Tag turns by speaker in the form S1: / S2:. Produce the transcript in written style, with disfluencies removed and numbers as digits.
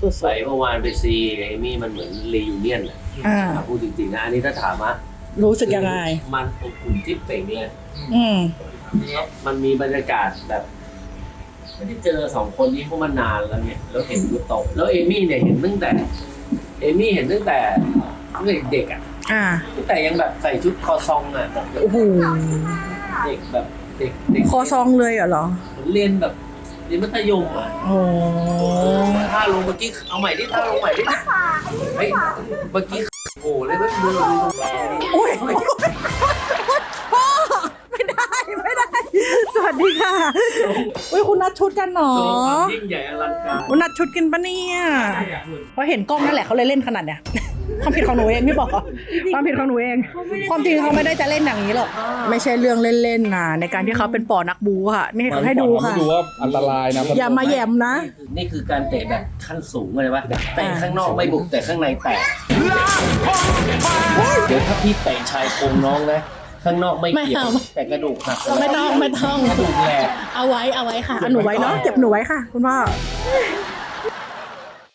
S1: สุด
S2: ไปเมื่อวานไปซีเอมี่มันเหมือนรียูเนียนอะพูดจริงๆนะอันนี้ถ้าถามว่า
S1: รู้สึกยังไง
S2: มันอบอุ่นจิ๊บเป่งเลย มันมีบรรยากาศแบบไม่ได้เจอสองคนนี้เพราะมันนานแล้วเนี่ยแล้วเห็นยูโตะแล้วเอมี่เนี่ยเห็นตั้งแต่เด็กอ่ะตั้งแต่ยังแบบใส่ชุดคอซองอ่ะแบบ
S1: โอ้โห
S2: เด็กแบบเด็ก
S1: คอซองเลยเหรอ
S2: เรียนแบบเรียนมัธยมอ่ะ
S1: โอ้
S2: ท่าลงเมื่อกี้เอาใหม่ดิท่าลงใหม่ดิเฮ้ยเมื่อกี้โอ้เลยไม่มือ
S1: โอ้ยพ่อไม่ได้ สวัสดีค่ะอุ้ยคุณนัดชุดกันหนอ
S2: โชว์ความยิ่งใหญ่อลังการ
S1: คุณนัดชุดกันปะเนี่ยเพราะเห็นกล้องนั่นแหละเขาเลยเล่นขนาดเนี้ยความผิดของหนูเองไม่บอกความผิดของหนูเองความจริงเขาไม่ได้จะเล่นอย่างนี้หรอกไม่ใช่เรื่องเล่นๆนะในการที่เขาเป็นปอนักบูค่ะนี่เขาให้ดูค่ะ
S3: ดูว่าอันตรายนะ
S1: อย่ามาแยมนะ
S2: นี่คือการเตะแบบขั้นสูงเลยว่าเตะข้างนอกไม่บุกแต่ข้างในแตกเดี๋ยวถ้าพี่เตะชายโครงน้องนะข้างนอกไม่เกี่ยวแต่กระดูกหัก
S1: ไม่ต้อง
S2: กระดูกแหลก
S1: เอาไว้ค่ะเอาหนูไว้เนาะเก็บหนูไว้ค่ะ คุณพ่อ